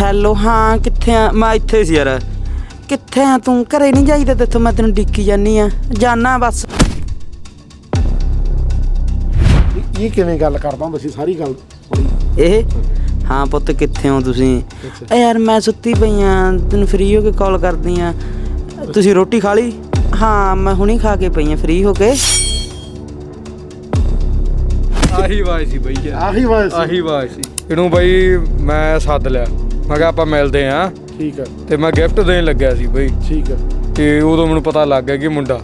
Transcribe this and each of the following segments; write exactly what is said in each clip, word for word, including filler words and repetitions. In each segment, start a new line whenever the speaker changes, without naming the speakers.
Hello ਹਾਂ ਕਿੱਥੇ ਆ ਮੈਂ ਇੱਥੇ ਸੀ ਯਾਰ ਕਿੱਥੇ ਆ ਤੂੰ ਘਰੇ ਨਹੀਂ ਜਾਈਦਾ ਤੇਥੋਂ ਮੈਂ ਤੈਨੂੰ ਡਿੱਕੀ ਜਾਨੀ ਆ ਜਾਨਾ ਬਸ
ਇਹ ਕਿਵੇਂ ਗੱਲ ਕਰਦਾ ਹੁੰਦਾ ਸੀ ਸਾਰੀ ਗੱਲ
ਇਹ ਹਾਂ ਪੁੱਤ ਕਿੱਥੇ ਹੋ ਤੁਸੀਂ ਏ ਯਾਰ ਮੈਂ ਸੁੱਤੀ ਪਈ ਆ ਤੈਨੂੰ ਫ੍ਰੀ ਹੋ ਕੇ ਕਾਲ ਕਰਦੀ ਆ ਤੁਸੀਂ ਰੋਟੀ ਖਾ ਲਈ ਹਾਂ ਮੈਂ ਹੁਣੀ ਖਾ ਕੇ ਪਈ ਆ ਫ੍ਰੀ ਹੋ ਕੇ
ਆਹੀ ਆਵਾਜ਼ ਸੀ ਬਈ ਯਾਰ
ਆਹੀ ਆਵਾਜ਼ ਸੀ
ਆਹੀ ਆਵਾਜ਼ ਸੀ ਇਹਨੂੰ ਬਈ ਮੈਂ ਸੱਦ ਲਿਆ ਮੈਂ ਕਿਹਾ ਆਪਾਂ ਮਿਲਦੇ ਆਂ
ਠੀਕ ਹੈ
ਤੇ ਮੈਂ ਗਿਫਟ ਦੇਣ ਲੱਗਿਆ ਸੀ ਬਈ
ਠੀਕ ਹੈ
ਤੇ ਉਦੋਂ ਮੈਨੂੰ ਪਤਾ ਲੱਗ ਗਿਆ ਕਿ ਮੁੰਡਾ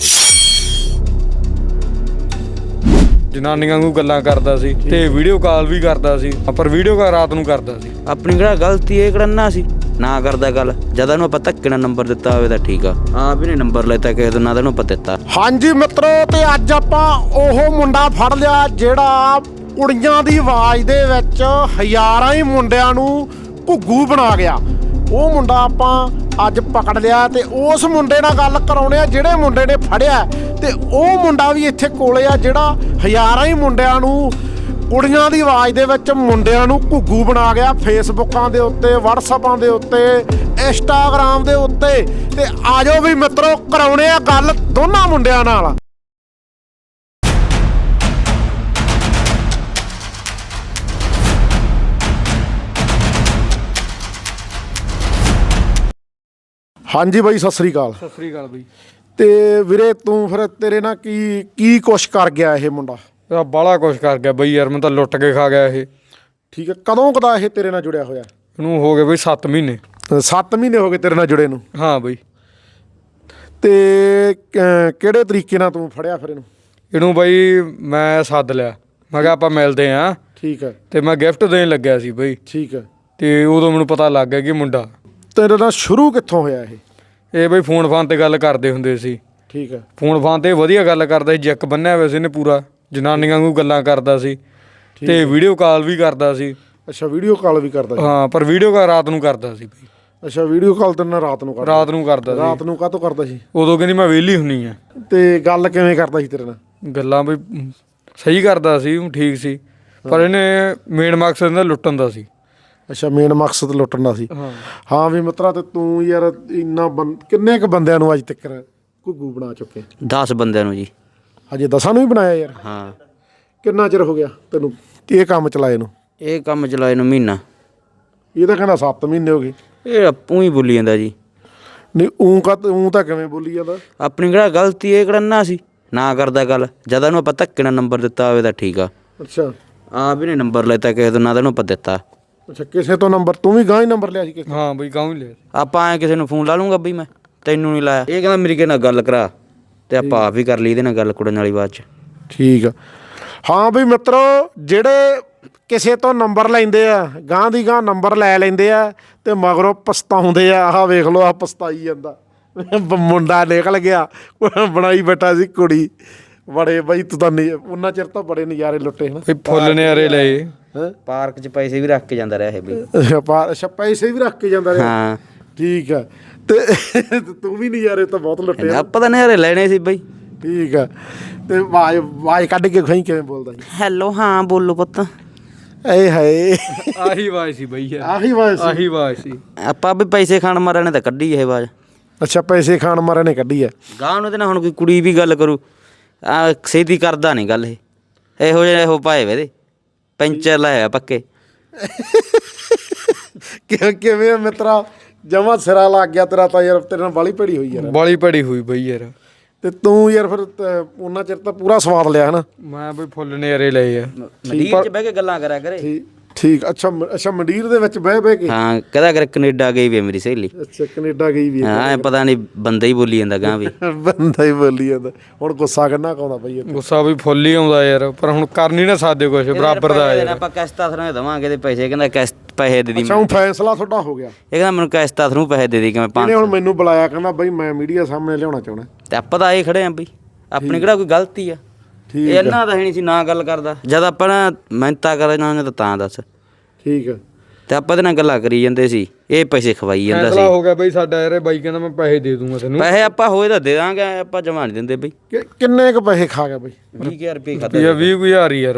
ਜਨਾਨੀਆਂ ਨੂੰ ਗੱਲਾਂ ਕਰਦਾ ਸੀ ਤੇ ਵੀਡੀਓ ਕਾਲ ਵੀ ਕਰਦਾ ਸੀ ਪਰ ਵੀਡੀਓ ਕਾਲ ਰਾਤ ਨੂੰ ਕਰਦਾ ਸੀ
ਆਪਣੀ ਕਿਹੜਾ ਗਲਤੀ ਇਹ ਕਰਨਾ ਸੀ ਨਾ ਕਰਦਾ ਗੱਲ ਜਦੋਂ ਨੂੰ ਆਪਾਂ ਧੱਕੇ ਨਾਲ ਨੰਬਰ ਦਿੱਤਾ ਹੋਵੇ ਤਾਂ ਠੀਕ ਆ ਆਪ ਹੀ ਨੇ ਨੰਬਰ ਲੈਤਾ ਕਿਸੇ ਤੋਂ ਨਾ ਤੈਨੂੰ ਆਪਾਂ ਦਿੱਤਾ
ਹਾਂਜੀ ਮਿੱਤਰੋ ਤੇ ਅੱਜ ਆਪਾਂ ਉਹ ਮੁੰਡਾ ਫੜ ਲਿਆ ਜਿਹੜਾ ਕੁੜੀਆਂ ਦੀ ਆਵਾਜ਼ ਦੇ ਵਿੱਚ ਹਜ਼ਾਰਾਂ ਹੀ ਮੁੰਡਿਆਂ ਨੂੰ ਘੁੱਗੂ ਬਣਾ ਗਿਆ ਉਹ ਮੁੰਡਾ ਆਪਾਂ ਅੱਜ ਪਕੜ ਲਿਆ ਤੇ ਉਸ ਮੁੰਡੇ ਨਾਲ ਗੱਲ ਕਰਾਉਣੇ ਆ ਜਿਹੜੇ ਮੁੰਡੇ ਨੇ ਫੜਿਆ ਤੇ ਉਹ ਮੁੰਡਾ ਵੀ ਇੱਥੇ ਕੋਲੇ ਆ ਜਿਹੜਾ ਹਜ਼ਾਰਾਂ ਹੀ ਮੁੰਡਿਆਂ ਨੂੰ ਕੁੜੀਆਂ ਦੀ ਆਵਾਜ਼ ਦੇ ਵਿੱਚ ਮੁੰਡਿਆਂ ਨੂੰ ਘੁੱਗੂ ਬਣਾ ਗਿਆ ਫੇਸਬੁੱਕਾਂ ਦੇ ਉੱਤੇ ਵਟਸਐਪਾਂ ਦੇ ਉੱਤੇ ਇੰਸਟਾਗ੍ਰਾਮ ਦੇ ਉੱਤੇ ਤੇ ਆਜੋ ਵੀ ਮਿੱਤਰੋ ਕਰਾਉਣੇ ਆ ਗੱਲ ਦੋਨਾਂ ਮੁੰਡਿਆਂ ਨਾਲ ਹਾਂਜੀ ਬਾਈ ਸਤਿ ਸ੍ਰੀ ਅਕਾਲ
ਸਤਿ ਸ੍ਰੀ ਅਕਾਲ ਬਈ
ਤੇ ਵੀਰੇ ਤੂੰ ਫਿਰ ਤੇਰੇ ਨਾਲ ਕੀ ਕੀ ਕੁਛ ਕਰ ਗਿਆ ਇਹ ਮੁੰਡਾ
ਇਹ ਬਾਲਾ ਕੁਛ ਕਰ ਗਿਆ ਬਈ ਯਾਰ ਮੈਂ ਤਾਂ ਲੁੱਟ ਕੇ ਖਾ ਗਿਆ ਇਹ
ਠੀਕ ਹੈ ਕਦੋਂ ਕਦਾ ਇਹ ਤੇਰੇ ਨਾਲ ਜੁੜਿਆ ਹੋਇਆ
ਇਹਨੂੰ ਹੋ ਗਏ ਬਈ ਸੱਤ ਮਹੀਨੇ
ਸੱਤ ਮਹੀਨੇ ਹੋ ਗਏ ਤੇਰੇ ਨਾਲ ਜੁੜੇ ਨੂੰ
ਹਾਂ ਬਈ
ਤੇ ਕ- ਕਿਹੜੇ ਤਰੀਕੇ ਨਾਲ ਤੂੰ ਫੜਿਆ ਫਿਰ ਇਹਨੂੰ
ਇਹਨੂੰ ਬਈ ਮੈਂ ਸੱਦ ਲਿਆ ਮੈਂ ਕਿਹਾ ਆਪਾਂ ਮਿਲਦੇ ਆਂ
ਠੀਕ ਹੈ
ਤੇ ਮੈਂ ਗਿਫਟ ਦੇਣ ਲੱਗਿਆ ਸੀ ਬਈ
ਠੀਕ ਹੈ
ਤੇ ਉਦੋਂ ਮੈਨੂੰ ਪਤਾ ਲੱਗ ਗਿਆ ਕਿ ਮੁੰਡਾ
ਤੇਰੇ ਨਾਲ ਸ਼ੁਰੂ ਕਿੱਥੋਂ ਹੋਇਆ ਇਹ
ਇਹ ਬਈ ਫੋਨ ਫਾਨ ਤੇ ਗੱਲ ਕਰਦੇ ਹੁੰਦੇ ਸੀ
ਠੀਕ ਹੈ
ਫੋਨ ਫਾਨ ਤੇ ਵਧੀਆ ਗੱਲ ਕਰਦਾ ਸੀ ਜੈਕ ਬੰਨਿਆ ਹੋਇਆ ਸੀ ਇਹਨੇ ਪੂਰਾ ਜਨਾਨੀਆਂ ਨੂੰ ਗੱਲਾਂ ਕਰਦਾ ਸੀ ਤੇ ਵੀਡੀਓ ਕਾਲ ਵੀ ਕਰਦਾ ਸੀ
ਅੱਛਾ ਵੀਡੀਓ ਕਾਲ ਵੀ ਕਰਦਾ ਸੀ
ਹਾਂ ਪਰ ਵੀਡੀਓ ਕਾਲ ਰਾਤ ਨੂੰ ਕਰਦਾ ਸੀ ਬਈ
ਅੱਛਾ ਵੀਡੀਓ ਕਾਲ ਤੇਰੇ ਨਾਲ ਰਾਤ ਨੂੰ ਕਰਦਾ
ਰਾਤ ਨੂੰ ਕਰਦਾ ਸੀ
ਰਾਤ ਨੂੰ ਕਾਹਤੋਂ ਕਰਦਾ ਸੀ
ਉਦੋਂ ਕਹਿੰਦੀ ਮੈਂ ਵਿਹਲੀ ਹੁੰਨੀ ਆ
ਤੇ ਗੱਲ ਕਿਵੇਂ ਕਰਦਾ ਸੀ ਤੇਰੇ ਨਾਲ
ਗੱਲਾਂ ਬਈ ਸਹੀ ਕਰਦਾ ਸੀ ਠੀਕ ਸੀ ਪਰ ਇਹਨੇ ਮੇਨ ਮਕਸਦ ਇਹਦਾ ਲੁੱਟਣ ਦਾ ਸੀ
ਅੱਛਾ ਮੇਨ ਮਕਸਦ ਲੁੱਟਣ ਦਾ ਸੀ
ਹਾਂ
ਹਾਂ ਵੀ ਮਿੱਤਰਾ ਤੇ ਤੂੰ ਯਾਰ ਇੰਨਾ ਬੰ ਕਿੰਨੇ ਕ ਬੰਦਿਆਂ ਨੂੰ ਅੱਜ ਤੱਕ ਘੁੱਗੂ ਬਣਾ ਚੁੱਕੇ
ਦਸ ਬੰਦਿਆਂ ਨੂੰ ਜੀ
ਹਜੇ ਦਸਾਂ ਨੂੰ ਵੀ ਬਣਾਇਆ ਯਾਰ
ਹਾਂ
ਕਿੰਨਾ ਚਿਰ ਹੋ ਗਿਆ ਤੈਨੂੰ ਇਹ ਕੰਮ ਚਲਾਏ ਨੂੰ
ਇਹ ਕੰਮ ਚਲਾਏ ਨੂੰ ਮਹੀਨਾ
ਇਹ ਤਾਂ ਕਹਿੰਦਾ ਸੱਤ ਮਹੀਨੇ ਹੋ ਗਏ
ਇਹ ਆਪੂ ਹੀ ਬੋਲੀ ਜਾਂਦਾ ਜੀ
ਨਹੀਂ ਊਂ ਕਾ ਊਂ ਤਾਂ ਕਿਵੇਂ ਬੋਲੀ ਜਾਂਦਾ
ਆਪਣੀ ਕਿਹੜਾ ਗਲਤੀ ਇਹ ਕਰਨਾ ਸੀ ਨਾ ਕਰਦਾ ਗੱਲ ਜਦੋਂ ਨੂੰ ਆਪਾਂ ਧੱਕੇ ਨਾਲ ਨੰਬਰ ਦਿੱਤਾ ਹੋਵੇ ਤਾਂ ਠੀਕ ਆ
ਅੱਛਾ
ਆਪ ਹੀ ਨੇ ਨੰਬਰ ਲੈਤਾ ਕਿਸੇ ਤੋਂ ਨਾ ਤੈਨੂੰ ਆਪਾਂ ਦਿੱਤਾ
ਅੱਛਾ ਕਿਸੇ ਤੋਂ ਨੰਬਰ ਤੂੰ ਵੀ ਗਾਂ ਹੀ ਨੰਬਰ ਲਿਆ ਸੀ ਕਿਸੇ
ਹਾਂ ਬਈ ਗਾਉਂ ਹੀ ਲਿਆ
ਆਪਾਂ ਐ ਕਿਸੇ ਨੂੰ ਫੋਨ ਲਾ ਲੂੰਗਾ ਬਈ ਮੈਂ ਤੈਨੂੰ ਨਹੀਂ ਲਾਇਆ ਇਹ ਕਹਿੰਦਾ ਮੇਰੀ ਕਿਸੇ ਨਾਲ ਗੱਲ ਕਰਾ ਤੇ ਆਪਾਂ ਆਪ ਹੀ ਕਰ ਲਈ ਇਹਦੇ ਨਾਲ ਗੱਲ ਕੁੜਨ ਵਾਲੀ ਬਾਅਦ ਚ
ਠੀਕ ਆ ਹਾਂ ਬਈ ਮਿੱਤਰੋ ਜਿਹੜੇ ਕਿਸੇ ਤੋਂ ਨੰਬਰ ਲੈਂਦੇ ਆ ਗਾਂ ਦੀ ਗਾਂ ਨੰਬਰ ਲੈ ਲੈਂਦੇ ਆ ਤੇ ਮਗਰੋਂ ਪਛਤਾਉਂਦੇ ਆ ਆਹ ਵੇਖ ਲਓ ਆ ਪਛਤਾਈ ਜਾਂਦਾ ਮੁੰਡਾ ਨਿਕਲ ਗਿਆ ਬਣਾਈ ਬੈਠਾ ਸੀ ਕੁੜੀ ਬੜੇ ਬਈ ਤੂੰ ਤਾਂ ਨਹੀਂ ਉਹਨਾਂ ਚਿਰ ਤਾਂ ਬੜੇ ਨਜ਼ਾਰੇ ਲੁੱਟੇ ਹਨ
ਬਈ ਫੁੱਲ ਨਿਆਰੇ ਲਏ
ਪਾਰਕ ਚ ਪੈਸੇ ਵੀ ਰੱਖ ਕੇ ਜਾਂਦਾ ਰਿਹਾ ਇਹ ਬਈ
ਅੱਛਾ ਪਾ ਅੱਛਾ ਪੈਸੇ ਵੀ ਰੱਖ ਕੇ ਜਾਂਦਾ ਰਿਹਾ
ਹਾਂ
ਠੀਕ ਆ ਤੇ ਤੂੰ ਵੀ ਨਜ਼ਾਰੇ ਤਾਂ ਬਹੁਤ ਲੁੱਟੇ ਆ
ਆਪਾਂ ਤਾਂ ਨਜ਼ਾਰੇ ਲੈਣੇ ਸੀ ਬਈ
ਠੀਕ ਆ ਤੇ ਆਵਾਜ਼ ਆਵਾਜ਼ ਕੱਢ ਕੇ ਖਾਈ ਕਿਵੇਂ ਬੋਲਦਾ ਜੀ
ਹੈਲੋ ਹਾਂ ਬੋਲੋ ਪੁੱਤ
ਏ ਹਾਏ
ਆਹੀ ਆਵਾਜ਼ ਸੀ ਬਈ ਯਾਰ
ਆਹੀ ਆਵਾਜ਼ ਸੀ
ਆਹੀ ਆਵਾਜ਼ ਸੀ
ਆਪਾਂ ਵੀ ਪੈਸੇ ਖਾਣ ਮਾਰਿਆ ਨੇ ਤਾਂ ਕੱਢੀ ਇਹ ਆਵਾਜ਼
ਅੱਛਾ ਪੈਸੇ ਖਾਣ ਮਾਰੇ ਨੇ ਕੱਢੀ ਆ
ਗਾਂ ਨੂੰ ਤੇ ਨਾ ਹੁਣ ਕੋਈ ਕੁੜੀ ਵੀ ਗੱਲ ਕਰੂ ਆ ਛੇਤੀ ਕਰਦਾ ਨਹੀਂ ਗੱਲ ਇਹ ਇਹੋ ਜਿਹੇ ਇਹੋ ਪਾਏ ਵੇ ਦੇ ਪੈਂਚਰ ਲਾਇਆ ਪੱਕੇ
ਕਿਵੇਂ ਕਿਵੇਂ ਮਿੱਤਰਾ ਜਮਾ ਸਿਰਾ ਲੱਗ ਗਿਆ ਤੇਰਾ ਤਾਂ ਯਾਰ ਤੇਰੇ ਨਾਲ ਬਾਲੀ ਭੜੀ ਹੋਈ ਯਾਰ
ਬਾਲੀ ਭੜੀ ਹੋਈ ਬਈ ਯਾਰ
ਤੇ ਤੂੰ ਯਾਰ ਫਿਰ ਤ- ਉਹਨਾਂ ਚਿਰ ਤਾਂ ਪੂਰਾ ਸਵਾਦ ਲਿਆ ਹਨਾ
ਮੈਂ ਬਈ ਫੁੱਲ ਨਿਆਰੇ ਲਏ ਆ
ਮੰਡੀਰ ਚ ਬਹਿ ਕੇ ਗੱਲਾਂ ਕਰਿਆ ਕਰੇ
ਠੀਕ ਠੀਕ ਅੱਛਾ ਮ- ਅੱਛਾ ਮੰਡੀਰ ਦੇ ਵਿੱਚ ਬਹਿ ਬਹਿ ਕੇ
ਹਾਂ ਕਹਦਾ ਕਰ ਕੈਨੇਡਾ ਗਈ ਵੀ ਆ ਮੇਰੀ ਸਹੇਲੀ
ਅੱਛਾ ਕੈਨੇਡਾ ਗਈ ਵੀ
ਹਾਂ ਐਂ ਪਤਾ ਨਹੀਂ ਬੰਦਾ ਹੀ ਬੋਲੀ ਜਾਂਦਾ ਗਾਂ ਵੀ
ਬੰਦਾ ਹੀ ਬੋਲੀ ਜਾਂਦਾ ਹੁਣ ਗੁੱਸਾ ਕਿੰਨਾ ਕਾਉਂਦਾ ਬਈ ਇਹ
ਗੁੱਸਾ ਵੀ ਫੁੱਲ ਹੀ ਆਉਂਦਾ ਯਾਰ ਪਰ ਹੁਣ ਕਰ ਨਹੀਂ ਨਾ ਸਕਦੇ ਕੁਛ ਬਰਾਬਰ ਦਾ ਯਾਰ
ਆਪਾਂ ਕਿਸ਼ਤਾਂ ਥਰੂ ਦੇਵਾਂਗੇ ਤੇ ਪੈਸੇ ਕਹਿੰਦਾ ਕਿਸ਼ਤ ਪੈਸੇ ਦੇ ਦੀ
ਅੱਛਾ ਹੁਣ ਫੈਸਲਾ ਤੁਹਾਡਾ ਹੋ ਗਿਆ
ਇਹ ਕਹਿੰਦਾ ਮੈਨੂੰ ਕਿਸ਼ਤਾਂ ਥਰੂ ਪੈਸੇ ਦੇ ਦੀ ਕਿਵੇਂ
ਇਹਨੇ
ਪੰਜ
ਹੁਣ ਮੈਨੂੰ ਬੁਲਾਇਆ ਕਹਿੰਦਾ ਬਈ ਮੈਂ ਮੀਡੀਆ ਸਾਹਮਣੇ ਲਿਆਉਣਾ ਚਾਹੁੰਦਾ
ਤੇ ਆਪਾਂ ਤਾਂ ਆਏ ਖੜੇ ਆਂ ਬਈ ਆਪਣੀ ਕਿਹੜਾ ਕੋਈ ਗਲਤੀ ਆ
ਠੀਕ
ਇਹ ਇਹਨਾਂ ਦਾ ਹੈ ਨਹੀਂ ਸੀ ਨਾ ਗੱਲ ਕਰਦਾ ਜਦ ਆਪਾਂ ਨਾ ਮਿਹਨਤਾਂ ਕਰਨਾ ਉਹਨੇ ਤਾਂ ਤਾਂ ਦੱਸ
ਠੀਕ ਆ
ਤੇ ਆਪਾਂ ਇਹਦੇ ਨਾਲ ਗੱਲਾਂ ਕਰੀ ਜਾਂਦੇ ਸੀ ਇਹ ਪੈਸੇ ਖਵਾਈ ਜਾਂਦਾ
ਫੈਸਲਾ
ਸੀ
ਹੋ ਗਿਆ ਬਈ ਸਾਡਾ ਯਾਰ ਇਹ ਬਾਈ ਕਹਿੰਦਾ ਮੈਂ ਪੈਸੇ ਦੇ ਦੂੰਗਾ ਤੈਨੂੰ
ਪੈਸੇ ਆਪਾਂ ਹੋਏ ਤਾਂ ਦੇ ਦਾਂਗੇ ਆਪਾਂ ਜਮਾ ਨਹੀਂ ਦਿੰਦੇ ਬਈ
ਕਿ- ਕਿੰਨੇ ਕ ਪੈਸੇ ਖਾ ਗਿਆ ਬਈ
ਵੀਹ ਹਜ਼ਾਰ ਰੁਪਏ ਖਾਤਾ
ਰੁਪਈਆ ਵੀਹ ਕੁ ਹਜ਼ਾਰ ਹੀ ਯਾਰ ਬਈ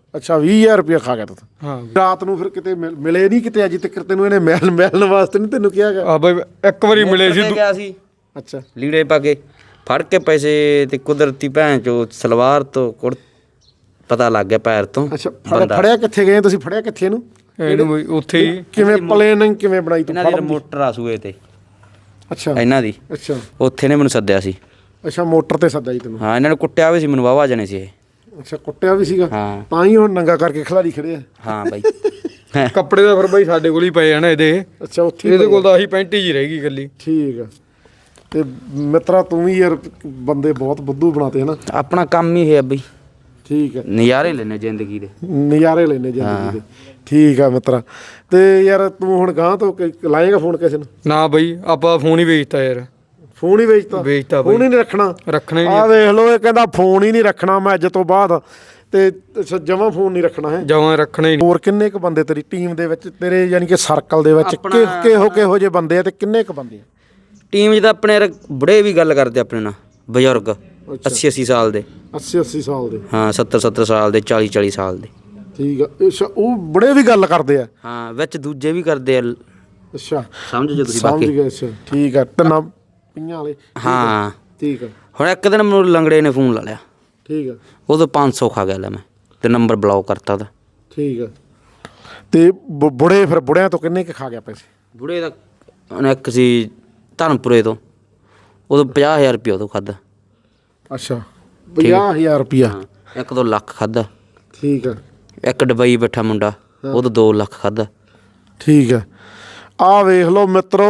ਅੱਛਾ ਵੀਹ ਹਜ਼ਾਰ ਰੁਪਇਆ ਖਾ ਗਿਆ ਤੂੰ
ਹਾਂ
ਰਾਤ ਨੂੰ ਫਿਰ ਕਿਤੇ ਮਿਲ- ਮਿਲੇ ਨਹੀਂ ਕਿਤੇ ਅਜੇ ਤੱਕ ਤੈਨੂੰ ਇਹਨੇ ਮਿਲ ਮਿਲਣ ਵਾਸਤੇ ਨਹੀਂ ਤੈਨੂੰ ਕਿਹਾ ਗਿਆ
ਆ ਬਈ ਇੱਕ ਵਾਰੀ ਮਿਲੇ ਸੀ
ਤੇ ਗਿਆ ਸੀ
ਅੱਛਾ
ਲੀੜੇ ਪਾ ਕੇ ਫੜ ਕੇ ਪੈਸੇ ਤੇ ਕੁਦਰਤੀ ਭੈਣ ਚੋ ਸਲਵਾਰ ਤੋਂ ਕੁੜ ਪਤਾ ਲੱਗ ਗਿਆ ਪੈਰ ਤੋਂ
ਅੱਛਾ ਫੜ- ਫੜਿਆ ਕਿੱਥੇ ਗਏ ਤੁਸੀਂ ਫੜਿਆ ਕਿੱਥੇ ਇਹਨੂੰ
ਇਹਨੂੰ ਬਈ ਉੱਥੇ ਹੀ
ਕਿਵੇਂ ਪਲੇਨਿੰਗ ਕਿਵੇਂ ਬਣਾਈ ਤੂੰ
ਇਹਨਾਂ ਦੀ ਮੋਟਰ ਆ ਸੂਏ ਤੇ
ਅੱਛਾ
ਇਹਨਾਂ ਦੀ
ਅੱਛਾ
ਉੱਥੇ ਨੇ ਮੈਨੂੰ ਸੱਦਿਆ ਸੀ
ਅੱਛਾ ਮੋਟਰ ਤੇ ਸੱਦਾ ਜੀ ਤੈਨੂੰ
ਹਾਂ ਇਹਨਾਂ ਨੇ ਕੁੱਟਿਆ ਵੀ ਸੀ ਮੈਨੂੰ ਵਾਵਾ ਜਣੇ ਸੀ ਇਹ
ਅੱਛਾ ਕੁੱਟਿਆ ਵੀ ਸੀਗਾ
ਹਾਂ
ਤਾਂ ਹੀ ਹੁਣ ਨੰਗਾ ਕਰਕੇ ਖਿਲਾੜੀ ਖੜੇ ਆ
ਹਾਂ ਬਾਈ
ਕੱਪੜੇ ਦਾ ਫਿਰ ਬਈ ਸਾਡੇ ਕੋਲ ਹੀ ਪਏ ਆ ਨਾ ਇਹਦੇ
ਅੱਛਾ ਉੱਥੇ ਹੀ
ਇਹਦੇ ਕੋਲ ਤਾਂ ਆਹੀ ਪੈਂਟ ਹੀ ਰਹਿ ਗਈ ਇਕੱਲੀ
ਠੀਕ ਆ ਤੇ ਮਿੱਤਰਾ ਤੂੰ ਵੀ ਯਾਰ ਬੰਦੇ ਬਹੁਤ ਬੁੱਧੂ ਬਣਾਤੇ ਹਨਾ
ਆਪਣਾ ਕੰਮ ਹੀ ਹੈ ਬਈ
ਠੀਕ ਆ
ਨਜ਼ਾਰੇ ਲੈਣੇ ਜ਼ਿੰਦਗੀ ਦੇ
ਨਜ਼ਾਰੇ ਲੈਨੇ ਜ਼ਿੰਦਗੀ ਦੇ ਠੀਕ ਆ ਮਿੱਤਰਾ ਤੇ ਯਾਰ ਤੂੰ ਹੁਣ ਗਾਂ ਤੋਂ ਕ- ਲਾਏਗਾ ਫੋਨ ਕਿਸੇ ਨੂੰ
ਨਾ ਬਈ ਆਪਾਂ ਫੋਨ ਹੀ ਵੇਚਤਾ ਯਾਰ
ਫੋਨ ਹੀ ਵੇਚਤਾ
ਵੇਚਤਾ ਬਈ
ਫੋਨ ਹੀ ਨਹੀਂ ਰੱਖਣਾ
ਰੱਖਣਾ ਹੀ
ਆ
ਨਹੀਂ
ਵੇਖ ਲਓ ਇਹ ਕਹਿੰਦਾ ਫੋਨ ਹੀ ਨਹੀਂ ਰੱਖਣਾ ਮੈਂ ਅੱਜ ਤੋਂ ਬਾਅਦ ਤੇ ਜਮਾਂ ਫੋਨ ਨਹੀਂ ਰੱਖਣਾ ਹੈ
ਜਮਾਂ ਰੱਖਣਾ ਹੀ ਨਹੀਂ
ਹੋਰ ਕਿੰਨੇ ਕ ਬੰਦੇ ਤੇਰੀ ਟੀਮ ਦੇ ਵਿੱਚ ਤੇਰੇ ਯਾਨੀ ਕਿ ਸਰਕਲ ਦੇ ਵਿੱਚ
ਆਪਣਾ-
ਕਿ- ਕਿਹੋ ਕਿਹੋ ਜਿਹੇ ਬੰਦੇ ਆ ਤੇ ਕਿੰਨੇ ਕ ਬੰਦੇ ਆ
ਟੀਮ 'ਚ ਤਾਂ ਆਪਣੇ ਯਾਰ ਬੁੜੇ ਵੀ ਗੱਲ ਕਰਦੇ ਆਪਣੇ ਨਾਲ ਬਜ਼ੁਰਗ ਅੱਸੀ ਅੱਸੀ ਸਾਲ ਦੇ
ਅੱਸੀ ਅੱਸੀ ਸਾਲ ਦੇ
ਹਾਂ ਸੱਤਰ ਸੱਤਰ ਸਾਲ ਦੇ ਚਾਲੀ ਚਾਲੀ ਸਾਲ ਦੇ
ਠੀਕ ਆ ਅੱਛਾ ਉਹ ਬੜੇ ਵੀ ਗੱਲ ਕਰਦੇ ਆ
ਹਾਂ ਵਿੱਚ ਦੂਜੇ ਵੀ ਕਰਦੇ ਆ
ਅੱਛਾ
ਸਮਝ ਜੋ ਤੁਸੀਂ
ਸਮਝ
ਬਾਕੀ
ਗਏ ਅੱਛਾ ਠੀਕ ਆ ਤਿੰਨਾਂ ਪਈਆਂ ਵਾਲੇ
ਹਾਂ
ਠੀਕ ਆ
ਹੁਣ ਇੱਕ ਦਿਨ ਮੈਨੂੰ ਲੰਗੜੇ ਨੇ ਫੋਨ ਲਾ ਲਿਆ
ਠੀਕ ਆ
ਉਦੋਂ ਪੰਜ ਸੌ ਖਾ ਗਿਆ ਲੈ ਮੈਂ ਤੇ ਨੰਬਰ ਬਲੌਕ ਕਰਤਾ ਉਹਦਾ
ਠੀਕ ਆ ਤੇ ਬੁ- ਬੁੜੇ ਫਿਰ ਬੁੜਿਆਂ ਤੋਂ ਕਿੰਨੇ ਕ ਖਾ ਗਿਆ ਪੈਸੇ
ਬੁੜੇ ਦਾ ਉਹਨੇ ਇੱਕ ਸੀ ਧਰਮਪੁਰੇ ਤੋਂ ਉਦੋਂ ਪੰਜਾਹ ਹਜ਼ਾਰ ਰੁਪਇਆ ਉਦੋਂ ਖਾਦਾ
ਅੱਛਾ ਪੰਜਾਹ ਹਜ਼ਾਰ ਰੁਪਇਆ
ਹਾਂ ਇੱਕ ਦੋ ਲੱਖ ਖਾਦਾ
ਠੀਕ ਆ
ਇੱਕ ਡਬਈ ਬੈਠਾ ਮੁੰਡਾ ਉਦੋਂ ਦੋ ਲੱਖ ਖਾਦਾ
ਠੀਕ ਆ ਆਹ ਵੇਖ ਲਓ ਮਿੱਤਰੋ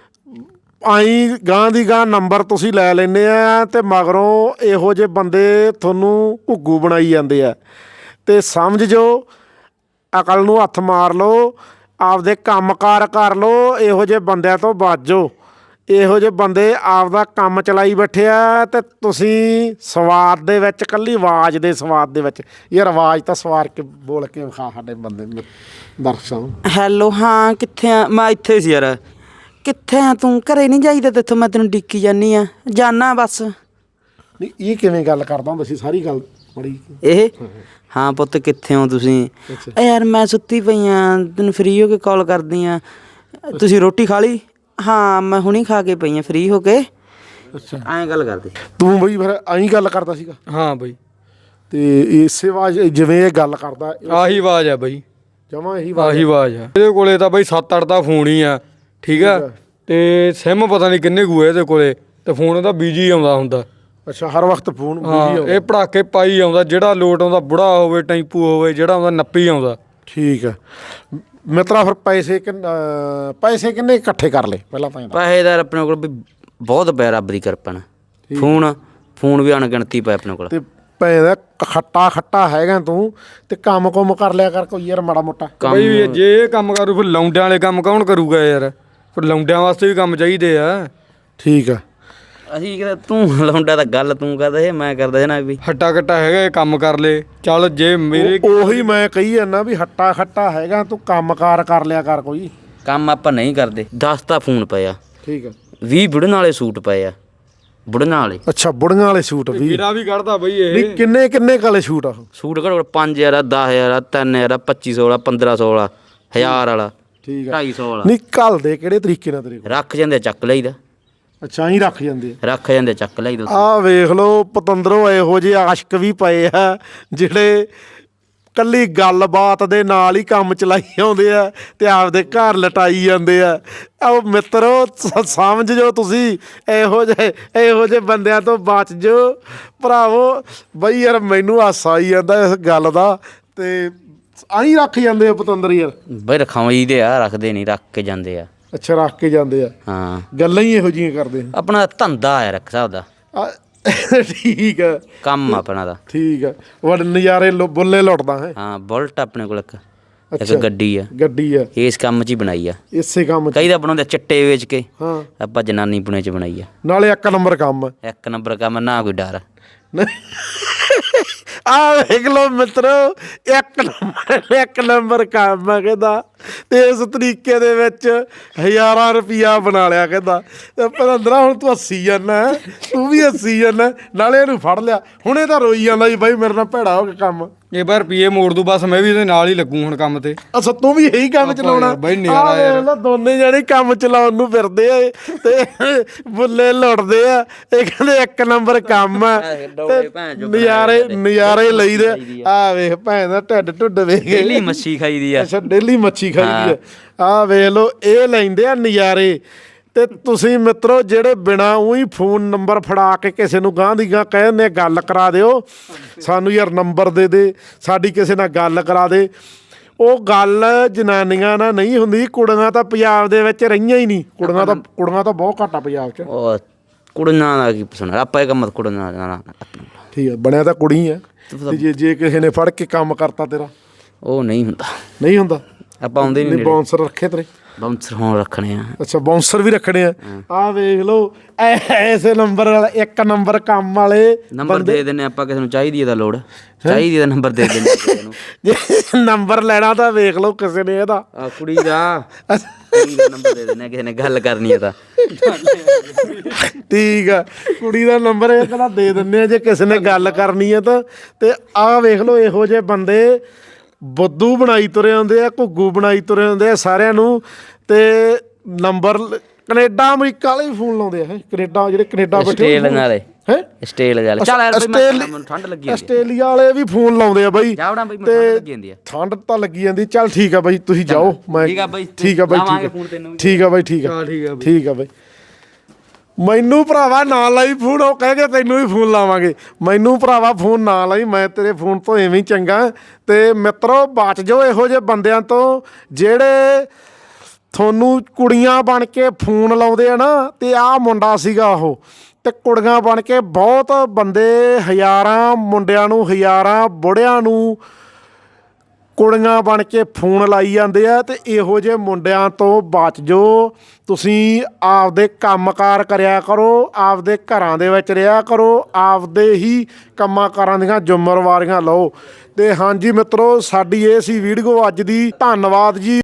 ਆਈ ਗਾਂ ਦੀ ਗਾਂ ਨੰਬਰ ਤੁਸੀਂ ਲੈ ਲੈਂਦੇ ਆ ਤੇ ਮਗਰੋਂ ਇਹੋ ਜਿਹੇ ਬੰਦੇ ਤੁਹਾਨੂੰ ਘੁੱਗੂ ਬਣਾਈ ਜਾਂਦੇ ਆ ਤੇ ਸਮਝ ਜੋ ਅਕਲ ਨੂੰ ਹੱਥ ਮਾਰ ਲਓ ਆਪਦੇ ਕੰਮਕਾਰ ਕਰ ਲਓ ਇਹੋ ਜਿਹੇ ਬੰਦਿਆਂ ਤੋਂ ਬਚ ਜਾਓ ਇਹੋ ਜਿਹੇ ਬੰਦੇ ਆਪਦਾ ਕੰਮ ਚਲਾਈ ਬੈਠੇ ਆ ਤੇ ਤੁਸੀਂ ਸਵਾਦ ਦੇ ਵਿੱਚ ਕੱਲੀ ਆਵਾਜ਼ ਦੇ ਸਵਾਦ ਦੇ ਵਿੱਚ ਯਾਰ ਆਵਾਜ਼ ਤਾਂ ਸਵਾਰ ਕੇ ਬੋਲ ਕੇ ਵਿਖਾ ਸਾਡੇ ਬੰਦੇ ਨੂੰ, ਦਰਸ਼ਕਾਂ ਨੂੰ।
ਹੈਲੋ ਹਾਂ ਕਿੱਥੇ ਆ ਮੈਂ ਇੱਥੇ ਸੀ ਯਾਰ ਕਿੱਥੇ ਆ ਤੂੰ ਘਰੇ ਨਹੀਂ ਜਾਈਦਾ ਤੇਥੋਂ ਮੈਂ ਤੈਨੂੰ ਡਿੱਕੀ ਜਾਨੀ ਆ ਜਾਨਾ ਬਸ
ਨਹੀਂ ਇਹ ਕਿਵੇਂ ਗੱਲ ਕਰਦਾ ਹੁੰਦਾ ਸੀ ਸਾਰੀ ਗੱਲ ਬੜੀ
ਇਹ ਹਾਂ ਪੁੱਤ ਕਿੱਥੇ ਹੋ ਤੁਸੀਂ ਏ ਯਾਰ ਮੈਂ ਸੁੱਤੀ ਪਈ ਆ ਤੈਨੂੰ ਫ੍ਰੀ ਹੋ ਕੇ ਕਾਲ ਕਰਦੀ ਆ ਤੁਸੀਂ ਰੋਟੀ ਖਾ ਲਈ ਹਾਂ ਮੈਂ ਹੁਣੀ ਖਾ ਕੇ ਪਈ ਆ ਫ੍ਰੀ ਹੋ ਕੇ
ਅੱਛਾ
ਐਂ ਗੱਲ ਕਰਦੇ
ਤੂੰ ਬਈ ਫਿਰ ਐਂ ਗੱਲ ਕਰਦਾ ਸੀਗਾ
ਹਾਂ ਬਈ
ਤੇ ਇਸੇ ਆਵਾਜ਼ ਜਿਵੇਂ ਇਹ ਗੱਲ ਕਰਦਾ
ਆਹੀ ਆਵਾਜ਼ ਆ ਬਈ
ਜਮਾ ਇਹੀ
ਆਹੀ ਆਵਾਜ਼ ਆ ਇਹਦੇ ਕੋਲੇ ਤਾਂ ਬਈ ਸੱਤ ਅੱਠ ਦਾ ਫੋਨ ਹੀ ਆ ਠੀਕ ਆ ਤੇ ਸਿਮ ਪਤਾ ਨਹੀਂ ਕਿੰਨੇ ਕੁ ਇਹਦੇ ਕੋਲੇ ਤੇ ਫੋਨ ਉਹਦਾ ਬੀਜੀ ਆਉਂਦਾ ਹੁੰਦਾ
ਅੱਛਾ ਹਰ ਵਕਤ ਫੋਨ
ਹਾਂ ਇਹ ਪੜਾਕੇ ਪਾਈ ਆਉਂਦਾ ਜਿਹੜਾ ਲੋਟ ਆਉਂਦਾ ਬੁੜਾ ਹੋਵੇ ਟੈਂਪੂ ਹੋਵੇ ਜਿਹੜਾ ਆਉਂਦਾ ਨੱਪੀ ਆਉਂਦਾ
ਠੀਕ ਆ ਮਿੱਤਰਾ ਫਿਰ ਪੈਸੇ ਕਿੰਨ ਅਹ ਪੈਸੇ ਕਿੰਨੇ ਇਕੱਠੇ ਕਰ ਲਏ ਪਹਿਲਾਂ ਤਾਂ ਇਹ ਦੱਸ।
ਪੈਸੇ ਦਾ ਆਪਣੇ ਕੋਲ ਵੀ ਬਹੁਤ ਪਿਆ ਰੱਬ ਦੀ ਕਿਰਪਾ ਨਾਲ ਫੋਨ ਫੋਨ ਵੀ ਅਣਗਿਣਤੀ ਪਏ ਆਪਣੇ ਕੋਲ
ਤੇ ਪੈਦਾ ਖੱਟਾ ਖੱਟਾ ਹੈਗਾ ਤੂੰ ਤੇ ਕੰਮ ਕੁਮ ਕਰ ਲਿਆ ਕਰ ਕੋਈ ਯਾਰ ਮਾੜਾ ਮੋਟਾ
ਬਈ ਜੇ ਇਹ ਕੰਮ ਕਰੂ ਫਿਰ ਲੌਂਡਿਆਂ ਵਾਲੇ ਕੰਮ ਕੌਣ ਕਰੂਗਾ ਯਾਰ ਫਿਰ ਲੌਂਡਿਆਂ ਵਾਸਤੇ ਵੀ ਕੰਮ ਚਾਹੀਦੇ ਆ
ਠੀਕ ਆ
ਅਸੀਂ ਕਹਿੰਦਾ ਤੂੰ ਲਾਉਂਦਾ ਤਾਂ ਗੱਲ ਤੂੰ ਕਰਦਾ ਇਹ ਮੈਂ ਕਰਦਾ ਜਨਾ ਵੀ
ਹੱਟਾ ਕੱਟਾ ਹੈਗਾ ਇਹ ਕੰਮ ਕਰ ਲੇ ਚੱਲ ਜੇ ਮੇਰੇ
ਉਹੀ ਮੈਂ ਕਹੀ ਜਾਂਦਾ ਵੀ ਹੱਟਾ ਖੱਟਾ ਹੈਗਾ ਤੂੰ ਕੰਮਕਾਰ ਕਰ ਲਿਆ ਕਰ ਕੋਈ
ਕੰਮ ਆਪਾਂ ਨਹੀਂ ਕਰਦੇ ਦਸ ਤਾਂ ਫੋਨ ਪਏ ਆ
ਠੀਕ ਆ
ਵੀਹ ਬੁੜਨ ਵਾਲੇ ਸੂਟ ਪਏ ਆ ਬੁੜਨ ਵਾਲੇ
ਅੱਛਾ ਬੁੜੀਆਂ ਵਾਲੇ ਸੂਟ ਵੀ
ਵੀਰਾ ਵੀ ਕੱਢਦਾ ਬਈ ਇਹ
ਨਹੀਂ ਕਿੰਨੇ ਕਿੰਨੇ ਕਾਲੇ ਸੂਟ ਆ ਉਹ?
ਸੂਟ ਘੱਟੋ ਘੱਟ ਪੰਜ ਹਜ਼ਾਰ ਆ ਦਸ ਹਜ਼ਾਰ ਆ ਤਿੰਨ ਹਜ਼ਾਰ ਆ ਪੱਚੀ ਸੌ ਵਾਲਾ ਪੰਦਰਾਂ ਸੌ ਵਾਲਾ ਹਜ਼ਾਰ ਵਾਲਾ
ਠੀਕ ਆ
ਢਾਈ ਸੌ ਵਾਲਾ
ਨਹੀਂ ਘੱਲ ਦੇ ਕਿਹੜੇ ਤਰੀਕੇ ਨਾਲ ਤੇਰੇ ਕੋਲ
ਰੱਖ ਜਾਂਦੇ ਚੱਕ ਲਈਦਾ
ਅੱਛਾ ਹੀ ਰੱਖ ਜਾਂਦੇ ਆ
ਰੱਖ ਜਾਂਦੇ ਚੱਕ ਲਈਦਾ
ਆਹ ਵੇਖ ਲਓ ਪਤੰਦਰੋਂ ਇਹੋ ਜਿਹੇ ਆਸ਼ਕ ਵੀ ਪਏ ਆ ਜਿਹੜੇ ਕੱਲੀ ਗੱਲਬਾਤ ਦੇ ਨਾਲ ਹੀ ਕੰਮ ਚਲਾਈ ਆਉਂਦੇ ਆ ਤੇ ਆਪਦੇ ਘਰ ਲਟਾਈ ਜਾਂਦੇ ਆ ਆਹ ਮਿੱਤਰੋ ਸ- ਸਮਝ ਜੋ ਤੁਸੀਂ ਇਹੋ ਜਿਹੇ ਇਹੋ ਜਿਹੇ ਬੰਦਿਆਂ ਤੋਂ ਬਚ ਜੋ ਭਰਾਵੋ ਬਈ ਯਾਰ ਮੈਨੂੰ ਹਾਸਾ ਆਈ ਜਾਂਦਾ ਇਸ ਗੱਲ ਦਾ ਤੇ ਆਹੀਂ ਰੱਖ ਜਾਂਦੇ ਆ ਪਤੰਦਰ ਯਾਰ
ਬਈ ਰਖਾਈ ਦੇ ਆ ਰੱਖਦੇ ਨਹੀਂ ਰੱਖ ਕੇ ਜਾਂਦੇ ਆ
ਅੱਛਾ ਰੱਖ ਕੇ ਜਾਂਦੇ ਆ
ਹਾਂ
ਗੱਲਾਂ ਹੀ ਇਹੋ ਜਿਹੀਆਂ ਕਰਦੇ ਆ
ਆਪਣਾ ਧੰਦਾ ਆ ਰੱਖ ਸਕਦਾ
ਆ ਠੀਕ ਆ
ਕੰਮ ਆਪਣਾ ਦਾ
ਠੀਕ ਆ ਵੱਡ ਨਜ਼ਾਰੇ ਲੁ- ਬੁੱਲੇ ਲੁੱਟਦਾ ਹੈ
ਹਾਂ ਬੁਲਟ ਆਪਣੇ ਕੋਲ ਇੱਕ ਇੱਕ
ਅੱਛਾ।
ਗੱਡੀ ਆ
ਗੱਡੀ ਆ
ਇਸ ਕੰਮ 'ਚ ਹੀ ਬਣਾਈ ਆ
ਇਸੇ ਕੰਮ 'ਚ
ਕਈ ਤਾਂ ਬਣਾਉਂਦੇ ਚਿੱਟੇ ਵੇਚ ਕੇ
ਹਾਂ
ਆਪਾਂ ਜਨਾਨੀ ਪੁਣੇ 'ਚ ਬਣਾਈ ਆ
ਨਾਲੇ ਇੱਕ ਨੰਬਰ ਕੰਮ ਆ
ਇੱਕ ਨੰਬਰ ਕੰਮ ਨਾ ਕੋਈ ਡਰ
ਆ ਵੇਖ ਲੋ ਮਿੱਤਰੋ ਇੱਕ ਨੰਬਰ ਇੱਕ ਨੰਬਰ ਕੰਮ ਆ ਕਹਿੰਦਾ ਤੇ ਇਸ ਤਰੀਕੇ ਦੇ ਵਿੱਚ ਹਜ਼ਾਰਾਂ ਰੁਪਈਆ ਬਣਾ ਲਿਆ ਕਹਿੰਦਾ। ਤੇ ਭਰਿੰਦਰਾ ਹੁਣ ਤੂੰ ਹੱਸੀ ਜਾਂਦਾ, ਤੂੰ ਵੀ ਹੱਸੀ ਜਾਂਦਾ, ਨਾਲੇ ਇਹਨੂੰ ਫੜ ਲਿਆ। ਹੁਣ ਇਹ ਤਾਂ ਰੋਈ ਜਾਂਦਾ ਜੀ ਬਾਈ ਮੇਰੇ ਨਾਲ ਭੈੜਾ ਹੋ ਕੇ ਕੰਮ।
ਇਹ ਬਾਰ ਰੁਪਈਏ ਮੋੜ ਦੂ ਬਸ, ਮੈਂ ਵੀ ਇਹਦੇ ਨਾਲ ਹੀ ਲੱਗੂ ਹੁਣ ਕੰਮ ਤੇ।
ਅੱਛਾ ਤੂੰ ਵੀ ਇਹੀ ਕੰਮ ਚਲਾਉਣਾ
ਬਾਈ ਨਜ਼ਾਰਾ ਯਾਰ।
ਆਹ ਦੋਨੇ ਜਾਣੇ ਕੰਮ ਚਲਾਉਣ ਨੂੰ ਫਿਰਦੇ ਆ ਤੇ ਬੁੱਲੇ ਲੁੱਟਦੇ ਆ। ਇਹ ਕਹਿੰਦੇ ਇੱਕ ਨੰਬਰ ਕੰਮ ਆ ਤੇ ਨਜ਼ਾਰੇ ਨਜ਼ਾਰੇ ਲਈਦੇ। ਆ ਵੇਖ ਭੈਣ ਦਾ ਢਿੱਡ ਢੁੱਡ ਵੇਖ
ਡੇਲੀ ਮੱਛੀ ਖਾਈਦੀ ਆ।
ਅੱਛਾ ਡੇਲੀ ਮੱਛੀ ਖਾਈਦੀ ਆ। ਆਹ ਵੇਖ ਲਓ ਇਹ ਲੈਂਦੇ ਆ ਨਜ਼ਾਰੇ। ਤੇ ਤੁਸੀਂ ਮਿੱਤਰੋ ਜਿਹੜੇ ਬਿਨਾ ਉਹੀ ਫੋਨ ਨੰਬਰ ਫੜਾ ਕੇ ਕਿਸੇ ਨੂੰ ਗਾਂਹ ਦੀ ਗਾਂਹ ਕਹਿੰਦੇ ਗੱਲ ਕਰਾ ਦਿਓ, ਸਾਨੂੰ ਯਾਰ ਨੰਬਰ ਦੇ ਦੇ, ਸਾਡੀ ਕਿਸੇ ਨਾਲ ਗੱਲ ਕਰਾ ਦੇ, ਉਹ ਗੱਲ ਜਨਾਨੀਆਂ ਨਾਲ ਨਹੀਂ ਹੁੰਦੀ। ਕੁੜੀਆਂ ਤਾਂ ਪੰਜਾਬ ਦੇ ਵਿੱਚ ਰਹੀਆਂ ਹੀ ਨਹੀਂ। ਕੁੜੀਆਂ ਤਾਂ ਕੁੜੀਆਂ ਤਾਂ ਬਹੁਤ ਘੱਟ ਆ ਪੰਜਾਬ 'ਚ।
ਉਹ ਕੁੜੀਆਂ ਦਾ ਕੀ ਪਸੰਦ ਆਪਾਂ ਇਹ ਕੰਮ ਕੁੜੀਆਂ ਦਾ।
ਠੀਕ ਹੈ ਬਣਿਆ ਤਾਂ ਕੁੜੀ ਆ। ਤੇ ਜੇ ਜੇ ਕਿਸੇ ਨੇ ਫੜ ਕੇ ਕੰਮ ਕਰਤਾ ਤੇਰਾ
ਉਹ ਨਹੀਂ ਹੁੰਦਾ।
ਨਹੀਂ ਹੁੰਦਾ।
ਆਪਾਂ ਆਉਂਦੇ ਨਹੀਂ।
ਬਾਉਂਸਰ ਰੱਖੇ ਤੇਰੇ?
ਬਾਉਂਸਰ ਹੁਣ ਰੱਖਣੇ ਆ।
ਅੱਛਾ ਬਾਉਂਸਰ ਵੀ ਰੱਖਣੇ ਆ। ਆਹ ਵੇਖ ਲਓ ਐਸੇ ਨੰਬਰ ਵਾਲਾ ਇੱਕ ਨੰਬਰ ਕੰਮ ਵਾਲੇ
ਨੰਬਰ ਦੇ ਦਿੰਦੇ ਆਪਾਂ ਕਿਸੇ ਨੂੰ। ਚਾਹੀਦੀ ਇਹਦਾ ਲੋੜ ਚਾਹੀਦੀ ਦਾ ਨੰਬਰ ਦੇ ਦਿੰਦੇ ਕਿਸੇ ਨੂੰ।
ਜੇ ਨੰਬਰ ਲੈਣਾ ਤਾਂ ਵੇਖ ਲਓ ਕਿਸੇ ਨੇ ਇਹਦਾ
ਆ ਕੁੜੀ ਦਾ ਕੁੜੀ ਦਾ ਨੰਬਰ ਦੇ ਦਿੰਦੇ ਕਿਸੇ ਨੇ ਗੱਲ ਕਰਨੀ ਹੈ ਤਾਂ।
ਠੀਕ ਆ ਕੁੜੀ ਦਾ ਨੰਬਰ ਇਹ ਕਹਿੰਦਾ ਦੇ ਦਿੰਦੇ ਆ ਜੇ ਕਿਸੇ ਨੇ ਗੱਲ ਕਰਨੀ ਹੈ ਤਾਂ। ਤੇ ਆਹ ਵੇਖ ਲਓ ਇਹੋ ਜਿਹੇ ਬੰਦੇ ਬੁੱਧੂ ਬਣਾਈ ਤੁਰੇ ਆਉਂਦੇ ਆ, ਘੁੱਗੂ ਬਣਾਈ ਤੁਰੇ ਆਉਂਦੇ ਆ ਸਾਰਿਆਂ ਨੂੰ। ਤੇ ਨੰਬਰ ਕਨੇਡਾ ਅਮਰੀਕਾ ਵਾਲੇ ਵੀ ਫੋਨ ਲਾਉਂਦੇ ਆ। ਹੈ ਕਨੇਡਾ ਜਿਹੜੇ ਕਨੇਡਾ ਬੈਠੇ
ਆਸਟ੍ਰੇਲੀਆ ਵਾਲੇ
ਹੈ
ਆਸਟ੍ਰੇਲੀਆ ਵਾਲੇ। ਚੱਲ ਯਾਰ ਬਈ ਮੈਨੂੰ ਠੰਡ ਲੱਗੀ।
ਆਸਟ੍ਰੇਲੀਆ ਵਾਲੇ ਵੀ ਫੋਨ ਲਾਉਂਦੇ ਆ ਬਾਈ।
ਜਾਵੜਾ ਬਈ ਮੈਨੂੰ ਠੰਡ ਲੱਗੀ ਜਾਂਦੀ ਆ।
ਠੰਡ ਤਾਂ ਲੱਗੀ ਜਾਂਦੀ। ਚੱਲ ਠੀਕ ਆ ਬਾਈ ਤੁਸੀਂ ਜਾਓ। ਮੈਂ
ਠੀਕ ਆ ਬਾਈ।
ਠੀਕ ਆ ਬਾਈ ਠੀਕ ਆ ਠੀਕ ਆ ਬਾਈ ਠੀਕ ਆ ਠੀਕ ਆ ਬਾਈ। ਮੈਨੂੰ ਭਰਾਵਾ ਨਾ ਲਾਈ ਫੋਨ। ਉਹ ਕਹਿ ਕੇ ਤੈਨੂੰ ਵੀ ਫੋਨ ਲਾਵਾਂਗੇ। ਮੈਨੂੰ ਭਰਾਵਾ ਫੋਨ ਨਾ ਲਾਈ, ਮੈਂ ਤੇਰੇ ਫੋਨ ਤੋਂ ਐਵੇਂ ਹੀ ਚੰਗਾ। ਤੇ ਮਿੱਤਰੋ ਬਚ ਜਾਓ ਇਹੋ ਜਿਹੇ ਬੰਦਿਆਂ ਤੋਂ ਜਿਹੜੇ ਤੁਹਾਨੂੰ ਕੁੜੀਆਂ ਬਣ ਕੇ ਫੋਨ ਲਾਉਂਦੇ ਆ ਨਾ। ਤੇ ਆਹ ਮੁੰਡਾ ਸੀਗਾ ਉਹ। ਤੇ ਕੁੜੀਆਂ ਬਣ ਕੇ ਬਹੁਤ ਬੰਦੇ ਹਜ਼ਾਰਾਂ ਮੁੰਡਿਆਂ ਨੂੰ, ਹਜ਼ਾਰਾਂ ਬੁੜਿਆਂ ਨੂੰ ਕੁੜੀਆਂ ਬਣ ਕੇ ਫੋਨ ਲਾਈ ਜਾਂਦੇ ਆ। ਤੇ ਇਹੋ ਜਿਹੇ ਮੁੰਡਿਆਂ ਤੋਂ ਬਚ ਜਾਓ। ਤੁਸੀਂ ਆਪਦੇ ਕੰਮਕਾਰ ਕਰਿਆ ਕਰੋ, ਆਪਦੇ ਘਰਾਂ ਦੇ ਵਿੱਚ ਰਿਹਾ ਕਰੋ, ਆਪਦੇ ਹੀ ਕੰਮਾਂ ਕਾਰਾਂ ਦੀਆਂ ਜ਼ਿੰਮੇਵਾਰੀਆਂ ਲਓ। ਤੇ ਹਾਂਜੀ ਮਿੱਤਰੋ ਸਾਡੀ ਇਹ ਸੀ ਵੀਡੀਓ ਅੱਜ ਦੀ। ਧੰਨਵਾਦ ਜੀ।